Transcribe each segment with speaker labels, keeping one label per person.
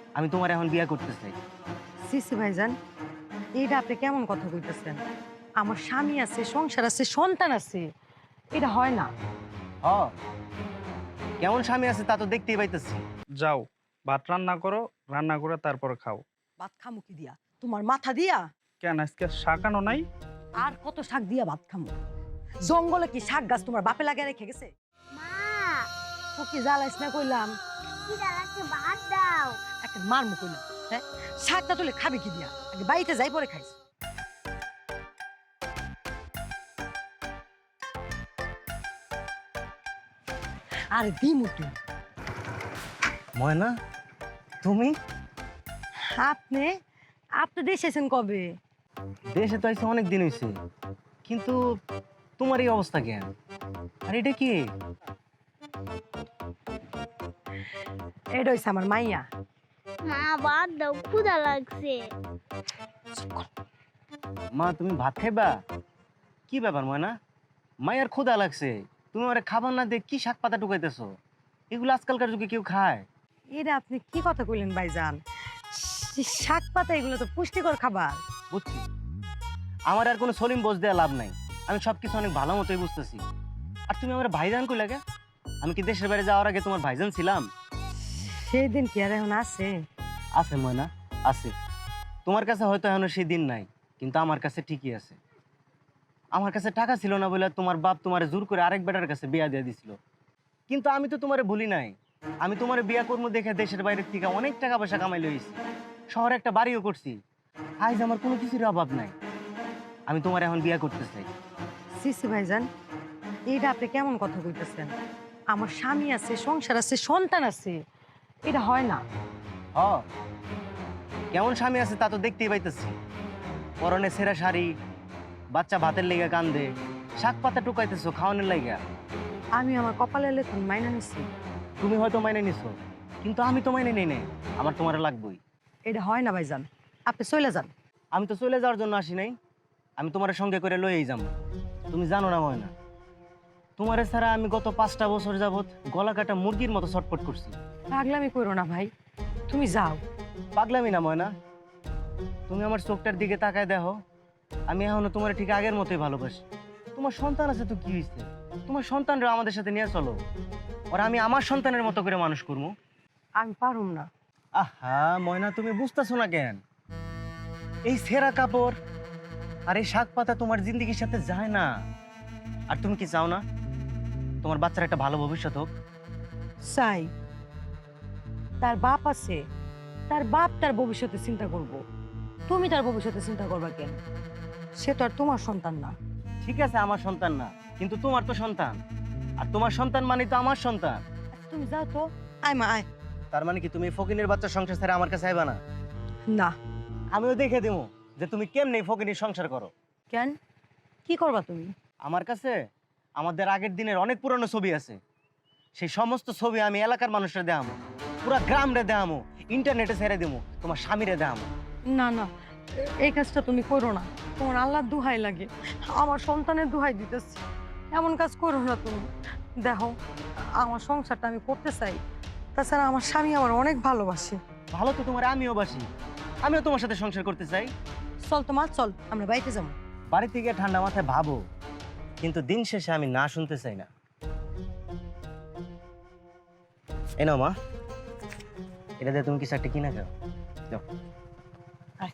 Speaker 1: আমি তোমার এখন বিয়ে করতে চাই।
Speaker 2: সিসি ভাইজান, এইটা আপনি কেমন কথা কইতেছেন? আমার স্বামী আছে, সংসার আছে, সন্তান আছে, এটা হয় না।
Speaker 1: হ, কেমন স্বামী আছে তা তো দেখতেই পাইতেছি।
Speaker 3: যাও, ভাত রান্না করো, রান্না করে তারপর খাও।
Speaker 2: ভাত খামু কি দিয়া? তোমার মাথা দিয়া?
Speaker 3: কেন আজকে শাকানো নাই?
Speaker 2: আর কত শাক দিয়া ভাত খামু? জঙ্গলে কি শাক গাছ তোমার বাপে লাগিয়ে রেখে গেছে?
Speaker 4: মা,
Speaker 2: তো কি জ্বালাইস না কইলাম?
Speaker 4: খিদা লাগছে, ভাত দাও।
Speaker 2: একটা মারমু কইলাম, হ্যাঁ? শাকটা তুলে খাবি কি দিয়া? আগে বাড়িতে যাই পরে খাইস। আরে দিমু তুই।
Speaker 1: ময়না, তুমি?
Speaker 2: আপনি আপনি দেশে এসেছেন কবে?
Speaker 1: দেশে তো আইসে অনেক দিন হয়েছে, কিন্তু তোমার এই অবস্থা কেন? আর এটা কি?
Speaker 2: এটা হইছে আমার মাইয়া।
Speaker 4: মা, ভাত দাও, ক্ষুধা লাগছে।
Speaker 1: মা, তুমি ভাত খাইবা? কি ব্যাপার ময়না? মায়ের ক্ষুধা লাগছে, তুমি ওরে খাবার না দিয়ে কি শাক পাতা টুকাইতেছো? এগুলো আজকালকার যুগে কেউ খায়?
Speaker 2: এটা আপনি কি কথা কইলেন ভাইজান? শাক পাতা এগুলো তো পুষ্টিকর খাবার।
Speaker 1: বুঝছি, আমার আর কোনো সলিম বোঝ দেওয়া লাভ নাই। আমি সবকিছু অনেক ভালো মতোই বুঝতেছি। আর তুমি আমার ভাইজান কই লাগে? আমি কি দেশের বাইরে যাওয়ার আগে তোমার ভাইজান ছিলাম?
Speaker 2: সেই দিন কি আর এখন আছে?
Speaker 1: আছে ময়না, আছে। তোমার কাছে হয়তো এখনো সেই দিন নাই, কিন্তু আমার কাছে ঠিকই আছে। আমার কাছে টাকা ছিল না বলে তোমার বাপ তোমারে জোর করে আরেক বেটার কাছে বিয়া দিয়ে দিছিল। কিন্তু আমি তো তোমারে ভুলি নাই। আমি তোমারে বিয়া করবো দেখে দেশের বাইরের থেকে অনেক টাকা পয়সা কামাই লইছি, শহরে একটা বাড়িও করছি। আজ আমার কোনো কিছুর অভাব নাই। আমি তোমার এখন বিয়া করতে চাই।
Speaker 2: সিসি ভাইজান, এইটা আপনি কেমন কথা কইতেছেন? আমার স্বামী আছে, সংসার আছে, সন্তান আছে, এটা হয় না।
Speaker 1: হ, কেমন স্বামী আছে তা তো দেখতেই পাইতেছি। পরনে ছেঁড়া শাড়ি, বাচ্চা ভাতের লেগে কান্দে, শাক পাতা টুকাইতেছো খাওয়ানোর লাইগা।
Speaker 2: আমি আমার কপালে লেখুন মাইনা নিছি।
Speaker 1: তুমি হয়তো মাইনে নিছো, কিন্তু আমি তো মাইনে নেই নাই। আমার তোমার লাগবেই।
Speaker 2: এটা হয় না ভাইজান, আপনি চলে যান।
Speaker 1: আমি তো চলে যাওয়ার জন্য আসি নাই, আমি তোমার সঙ্গে করে লইয়েই যাবো। তুমি জানো না ময়না, তোমারে ছাড়া আমি গত 5টা বছর যাবত গলা কাটা মুরগির মতো ছটফট করছি।
Speaker 2: পাগলামি করো না ভাই, তুমি যাও।
Speaker 1: পাগলামি না ময়না, তুমি আমার চোখটার দিকে তাকায় দেখো। আমি এখনো তোমার ঠিক আগের মতোই ভালোবাসি। তোমার সন্তান আছে তো কি হয়েছে? তোমার সন্তানরা আমাদের সাথে নিয়ে চলো, ওরা আমি আমার সন্তানের মতো করে মানুষ করবো।
Speaker 2: আমি পারুম না।
Speaker 1: আহা ময়না, তুমি বুঝতেছো না কেন? এই ছেঁড়া কাপড় আর এই শাক পাতা তোমার জিন্দগির সাথে যায় না। আর তুমি কি চাও না তোমার বাচ্চার একটা ভালো ভবিষ্যৎ হোক?
Speaker 2: চাই। তার বাপ আছে, তার বাপ তার ভবিষ্যতে চিন্তা করব। তুমি তার ভবিষ্যতে চিন্তা করবা কেন? সে তো আর তোমার সন্তান না।
Speaker 1: ঠিক আছে, আমার সন্তান না, কিন্তু তোমার তো সন্তান। আর তোমার সন্তান মানে তো আমার সন্তান।
Speaker 2: আচ্ছা, তুমি যাও তো। আয় মা আয়।
Speaker 1: তার মানে কি তুমি ফকিনের বাচ্চার সংসার ছেড়ে আমার কাছে আইবা না?
Speaker 2: না।
Speaker 1: আমিও দেখে দেবো যে তুমি কেমনে ফকিনীর সংসার করো।
Speaker 2: কেন? কি করবা তুমি?
Speaker 1: আমার কাছে আমাদের আগের দিনের অনেক পুরনো ছবি আছে। সেই সমস্ত ছবি আমি এলাকার মানুষরা দেখামো, পুরা গ্রামরে দেখামো, ইন্টারনেটে ছেড়ে দেবো, তোমার স্বামীরে দেখামো।
Speaker 2: না না, এই কাজটা তুমি করো না। তোমার আল্লাহর দুহাই লাগে, আমার সন্তানের দুহাই দিতেছি। এমন কাজ করো না তুমি। দেখো, আমার সংসারটা আমি করতে চাই। তাছাড়া আমার স্বামী আমার অনেক ভালোবাসে।
Speaker 1: ভালো তো তোমার আমিও বাসি, আমিও তোমার সাথে সংসার করতে চাই।
Speaker 2: চল তোমার, চল আমরা বাড়িতে যাবো।
Speaker 1: বাড়ি থেকে ঠান্ডা মাথায় ভাবো, কিন্তু দিন শেষে আমি না শুনতে চাই না। এই নাও মা, এটা দিয়ে তুমি কিছু একটা কিনা খাও। যাও।
Speaker 2: আয়।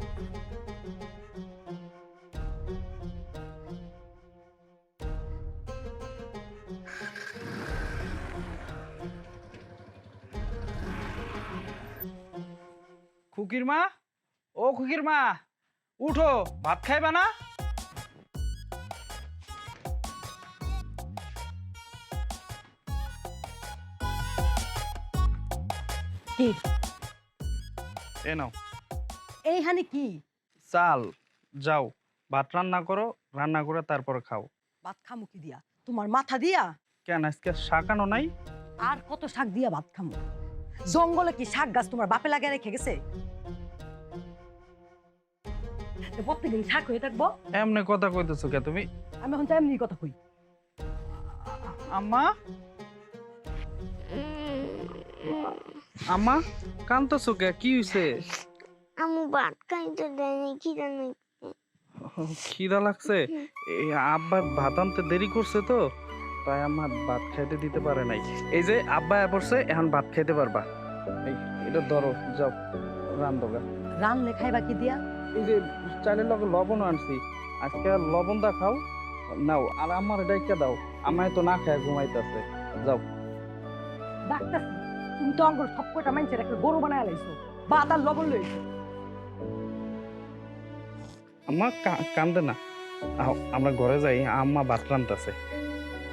Speaker 3: খুকির মা, ও খুকির মা, উঠো, ভাত খাইবা না?
Speaker 2: কি
Speaker 3: এ নাও
Speaker 2: এইখানে কি?
Speaker 3: চাল। যাও, ভাত রান্না করো, রান্না করে তারপর খাও।
Speaker 2: ভাত খামু কি দিয়া? তোমার মাথা দিয়া?
Speaker 3: কেন আজকে শাকানো নাই?
Speaker 2: আর কত শাক দিয়া ভাত খামু? জঙ্গলে কি শাক গাছ তোমার বাপে লাগিয়ে রেখে গেছে? প্রত্যেকদিন শাক হয়ে থাকবো?
Speaker 3: এমনি কথা কইতেছো কে তুমি?
Speaker 2: আমি এখন চাই এমনি কথা কই।
Speaker 3: আম্মা, আম্মা কান্দতেছো কে? কি হইছে?
Speaker 4: আমু ভাত খাইতে দেয়নি খিদা নাই।
Speaker 3: খিদা লাগছে? এই আব্বা ভাত আনতে দেরি করছে তো, তাই আম্মা ভাত খাইতে দিতে পারে নাই। এই যে আব্বা পড়ছে, এখন ভাত খাইতে পারবা। এই এটা ধরো, যাও রান্ধোগা।
Speaker 2: রানলে খাইবা কি দিয়া?
Speaker 3: এই যে চালের লগে লবণ আনছি, আজকে লবণ দা খাও, নাও। আর আমার ডাইকা দাও, আমায় তো না খায় ঘুমাইতেছে। যাও।
Speaker 2: ডাক্তারছি তুমি তো অঙ্গর সব কটা মাইনছে একটা গরু বানায় লাইছো, ভাত আর লবণ লইছো।
Speaker 3: আম্মা কান্দে না, আও আমরা ঘরে যাই, আম্মা ভাত রান্তাছে।